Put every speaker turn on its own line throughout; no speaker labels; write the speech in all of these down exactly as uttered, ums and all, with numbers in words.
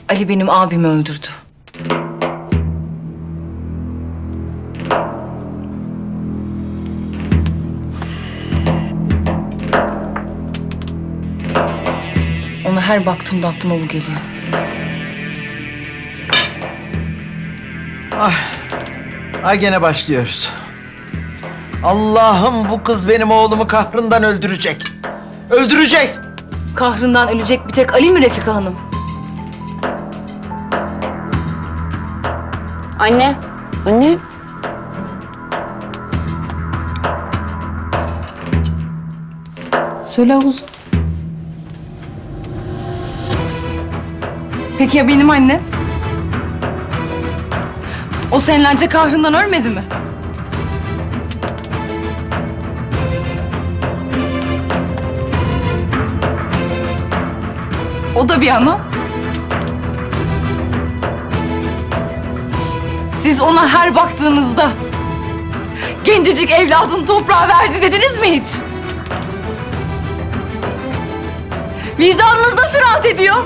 Ali benim abimi öldürdü. Ona her baktığımda aklıma bu geliyor.
Ay, ay gene başlıyoruz. Allah'ım bu kız benim oğlumu kahrından öldürecek. Öldürecek.
Kahrından ölecek bir tek Ali mi Refika Hanım?
Anne. Anne.
Söyle Oğuz'um. Peki ya benim annem? O senelerce kahrından ölmedi mi? O da bir ana. Siz ona her baktığınızda gencecik evladını toprağa verdi dediniz mi hiç? Vicdanınız nasıl rahat ediyor?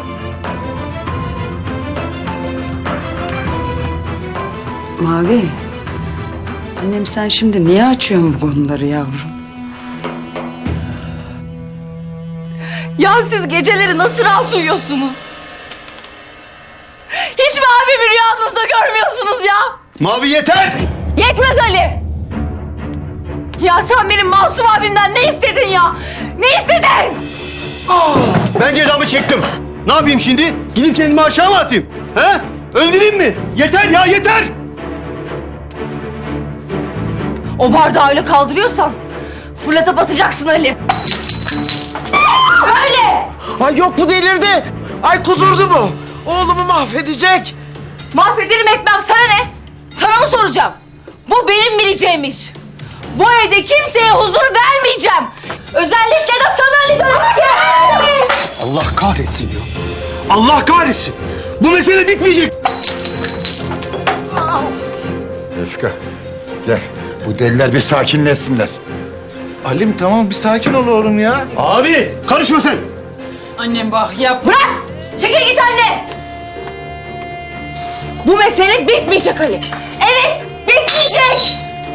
Mavi, annem sen şimdi niye açıyorsun bu konuları yavrum?
Ya siz geceleri nasıl rahat uyuyorsunuz? Hiç mi abimi rüyanızda görmüyorsunuz ya?
Mavi yeter!
Yetmez Ali! Ya sen benim masum abimden ne istedin ya? Ne istedin?
Ben cezamı çektim. Ne yapayım şimdi? Gidip kendimi aşağı mı atayım? He? Öldüreyim mi? Yeter ya yeter!
O bardağı öyle kaldırıyorsan fırlatıp atacaksın Ali. Öyle!
Ay yok bu delirdi. Ay kudurdu bu. Oğlumu mahvedecek.
Mahvederim etmem sana ne? Sana mı soracağım? Bu benim bileceğim iş. Bu evde kimseye huzur vermeyeceğim. Özellikle de sana Ali Dönüşke.
Allah kahretsin ya. Allah kahretsin. Bu mesele bitmeyecek.
Refika, gel. Bu deliler bir sakinleşsinler.
Alim tamam bir sakin ol oğlum ya.
Abi karışma sen.
Annem bak yap.
Bırak! Çekil git anne! Bu mesele bitmeyecek Ali. Evet, bitmeyecek!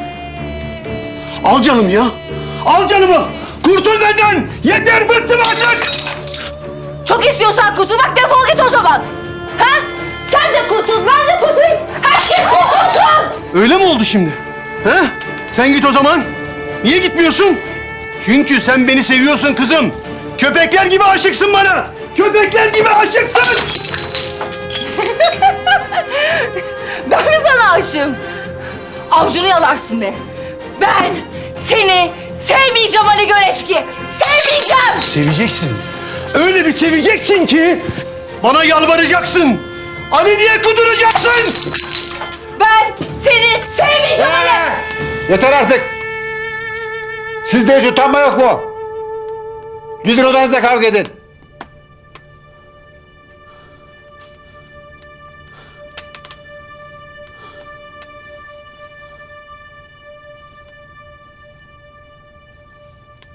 Al canım ya. Al canımı. Kurtul benden. Yeter bıktım artık.
Çok istiyorsan kurtulmak defol git o zaman. Ha? Sen de kurtul, ben de kurtulayım. Herkes kurtulsun!
Öyle mi oldu şimdi? He? Sen git o zaman. Niye gitmiyorsun? Çünkü sen beni seviyorsun kızım. Köpekler gibi aşıksın bana. Köpekler gibi aşıksın.
Ben mi sana aşığım? Avcunu yalarsın be. Ben seni sevmeyeceğim Ali Göreçki. Sevmeyeceğim!
Seveceksin. Öyle bir seveceksin ki bana yalvaracaksın. Ali diye kuduracaksın.
Ben seni sevmeyeceğim Ali!
Yeter artık. Sizde hiç utanma yok mu? Gidin odanızda kavga edin.